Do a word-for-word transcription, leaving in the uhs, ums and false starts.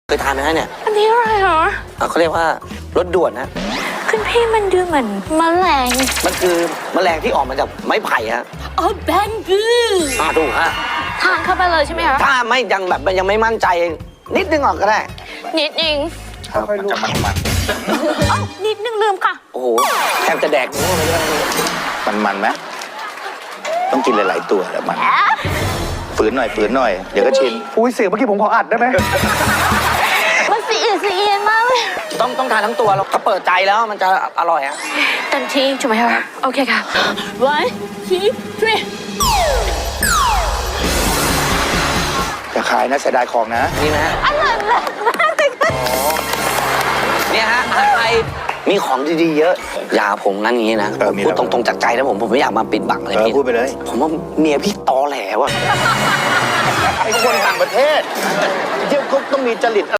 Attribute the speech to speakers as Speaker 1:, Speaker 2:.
Speaker 1: เคยทานไหมฮะเนี่ย
Speaker 2: อันนี้อะไรเหรอ
Speaker 1: เขาเรียกว่ารถด่วนนะ
Speaker 2: คุณพี่มันดูเหมือนแมลง
Speaker 1: มันคือแมลงที่ออกมาจากไม้ไผ่ฮะ
Speaker 2: อ๋อแบงบู
Speaker 1: อ่าถูกฮะ
Speaker 2: ทานเข้าไปเลยใช่ไหมคะ
Speaker 1: ถ้าไม่ยังแบบยังไม่มั่นใจนิดนึงออกก็ได้
Speaker 2: นิดนึง
Speaker 3: ครับมันจะมันมัน
Speaker 2: นิดนึงลืมค่ะ
Speaker 1: โอ้โหแทบจะแดกนู้นเลย
Speaker 3: มันมันไหมต้องกินหลายๆตัวแล้วมันฝืนหน่อยฝืนหน่อยเดี๋ยวก็ชิน
Speaker 4: อุ้ยเสียงเมื่อกี้ผมขออัดได้ไหม
Speaker 2: มันสีอีสีอีมากเลย
Speaker 1: ต้องต้องทานทั้งตัวแล้วก็เปิดใจแล้วมันจะอร่อยฮะ
Speaker 2: เต็มที่ถูกไหมคะโอเคค่ะ one two three
Speaker 3: จะขายนะเสียดายของนะ
Speaker 1: นี่นะฮะ
Speaker 2: อร่อยมากเลยค่ะ
Speaker 1: เนี่ยฮะอาหารไทยมีของดีๆเยอะอย่าผมงั้นอย่างนี้นะผมพูดตรงๆจากใจนะผมผมไม่อยากมาปิดบังอะไรพี่
Speaker 3: พูดไปเลย
Speaker 1: ผมว่าเมียพี่ตอแหลว่ะ
Speaker 3: ไอ้คนต่างประเทศเที่ยวเขาต้องมีจริต